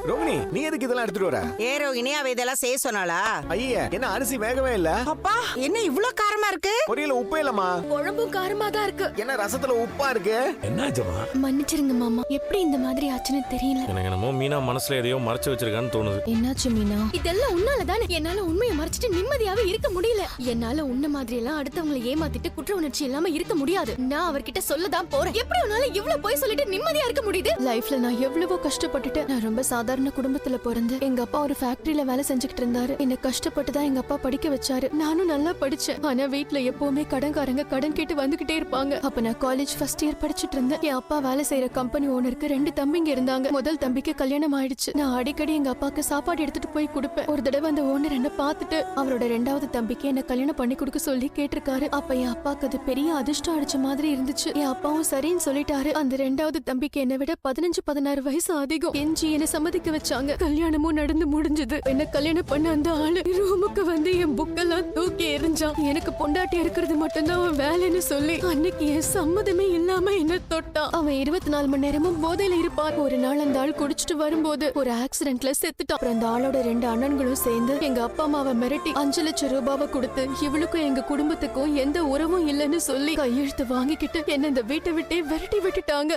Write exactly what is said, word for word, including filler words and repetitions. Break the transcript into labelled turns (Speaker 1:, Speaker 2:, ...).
Speaker 1: ரோகிணி, நீ எதுக்கு இதெல்லாம் எடுத்துட்டு வர?
Speaker 2: ஏ ரோகிணி, அவ இதெல்லாம் செய்ய சொன்னாளா?
Speaker 1: ஐயா, என்ன அரிசி வேகவே இல்ல?
Speaker 2: அப்பா, என்ன இவ்ளோ காரமா இருக்கு?
Speaker 1: பொரியல உப்பே இல்லம்மா.
Speaker 3: குழம்பும் காரமா தான் இருக்கு.
Speaker 1: என்ன ரசத்துல உப்பா இருக்கு?
Speaker 4: என்னாச்சுமா?
Speaker 3: மன்னிச்சிருங்க மாமா, எப்படி இந்த மாதிரி ஆச்சுன்னு தெரியல.
Speaker 5: எனக்கு என்னமோ மீனா மனசுல எதையோ மறைச்சு வச்சிருக்கான்னு தோணுது.
Speaker 3: என்னாச்சு மீனா? இதெல்லாம் உன்னால தானே. என்னால உண்மையை மறைச்சிட்டு நிம்மதியாவே இருக்க முடியல. என்னால உன்ன மாதிரி எல்லாம் அடுத்தவங்களை ஏமாத்திட்டு குற்ற உணர்ச்சி இல்லாம இருக்க முடியாது. நான் அவர்கிட்ட சொல்லதான் போறேன். எப்படி உன்னால இவ்ளோ போய் சொல்லிட்டு நிம்மதியா இருக்க முடியுது? லைஃப்ல நான் எவ்வளவோ கஷ்டப்பட்டுட்டு, நான் ரொம்ப சாதாரண குடும்பத்துல பிறந்து எங்க அப்பா ஒரு ஃபேக்டரியில வேலை செஞ்சுக்கிட்டு இருந்தாரு. என்ன கஷ்டப்பட்டு தான் எங்க அப்பா படிக்க வச்சாரு. நானும் நல்லா படிச்சேன். ஆனா வீட்ல எப்பவுமே கடன்காரங்க கடன் கேட்டு வந்துகிட்டே இருப்பாங்க. அப்ப நான் காலேஜ் ஃபர்ஸ்ட் இயர் படிச்சிட்டு இருந்தேன். என் அப்பா வேலை செய்யற கம்பெனி ஓனருக்கு ரெண்டு தம்பிங்க இருந்தாங்க. முதல் தம்பிக்கு கல்யாணம் ஆயிடுச்சு. நான் அடிக்கடி எங்க அப்பாக்கு சாப்பாடு எடுத்துட்டு போய் கொடுப்பேன். ஒரு தடவை அந்த ஓனர் என்ன பார்த்துட்டு அவரோட ரெண்டாவது தம்பிக்கு என்ன கல்யாணம் பண்ணி கொடுக்க சொல்லி கேட்டிருக்காரு. அப்ப என் அப்பாக்கு அது பெரிய அதிர்ஷ்டம் அடிச்ச மாதிரி இருந்துச்சு. என் அப்பாவும் சரின்னு சொல்லிட்டாரு. அந்த ரெண்டாவது தம்பிக்கு என்னை விட பதினஞ்சு பதினாறு வயசு அதிகம். எஞ்சி என்ன சம்மதிக்க வச்சாங்க. கல்யாணமும் நடந்து முடிஞ்சது. என்ன கல்யாணம் பண்ண அந்த ஆளு ரூமுக்கு வந்து என் புக்கெல்லாம் தூக்கி எறிஞ்சான். எனக்கு பொண்டாட்டி இருக்கிறது மட்டும்தான் அவன் வேலைன்னு சொல்லி அன்னைக்கு என் சம்மதமே இல்லாம என்ன தொட்டான். அவன் இருபத்தி நாலு மணி நேரமும் போதையில இருப்பான். ஒரு நாள் அந்த ஆள் குடிச்சிட்டு வரும்போது ஒரு ஆக்சிடென்ட்ல செத்துட்டான். அப்புறம் அந்த ஆளோட ரெண்டு அண்ணன்களும் சேர்ந்து எங்க அப்பா அம்மாவை மிரட்டி அஞ்சு லட்சம் ரூபாவை கொடுத்து இவளுக்கும் எங்க குடும்பத்துக்கும் எந்த உறவும் இல்லைன்னு சொல்லி கையெழுத்து வாங்கிக்கிட்டு என்ன இந்த வீட்டை விட்டே விரட்டி விட்டுட்டாங்க.